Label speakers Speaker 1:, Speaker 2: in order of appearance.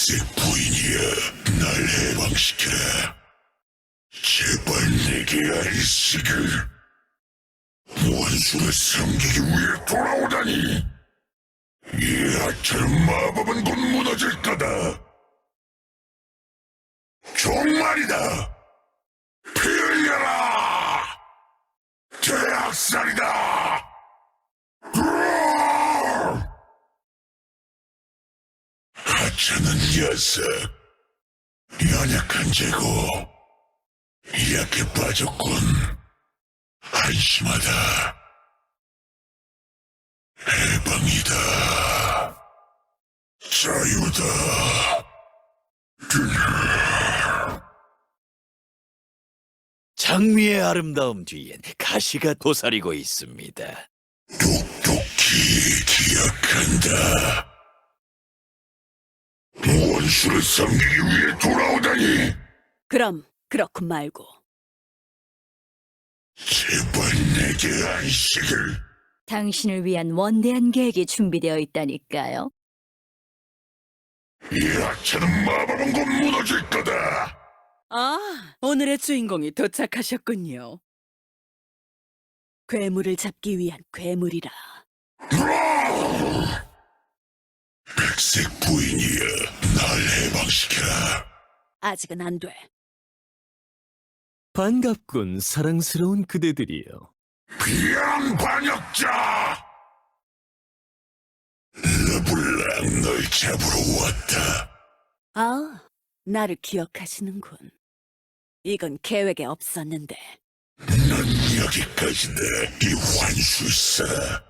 Speaker 1: 백색 부인이여, 날 해방시켜라. 제발 내게 안식을. 원수를 섬기기 위해 돌아오다니. 이 하찮은 마법은 곧 무너질 거다. 종말이다. 피 흘려라. 대학살이다. 하찮은 녀석, 연약한 재고, 약해 빠졌군. 한심하다. 해방이다. 자유다.
Speaker 2: 장미의 아름다움 뒤엔 가시가 도사리고 있습니다.
Speaker 1: 똑똑히 기억한다. 원수를 섬기기 위해 돌아오다니.
Speaker 3: 그럼 그렇군 말고.
Speaker 1: 제발 내게 안식을.
Speaker 3: 당신을 위한 원대한 계획이 준비되어 있다니까요.
Speaker 1: 이 하찮은 마법은 곧 무너질 거다.
Speaker 4: 아, 오늘의 주인공이 도착하셨군요. 괴물을 잡기 위한 괴물이라.
Speaker 1: 백색 부인이여, 날 해방시켜라.
Speaker 4: 아직은 안 돼.
Speaker 5: 반갑군, 사랑스러운 그대들이여.
Speaker 1: 비양 반역자! 르블랑, 널 잡으러 왔다.
Speaker 4: 아, 나를 기억하시는군. 이건 계획에 없었는데.
Speaker 1: 넌 여기까지다, 이 환술사.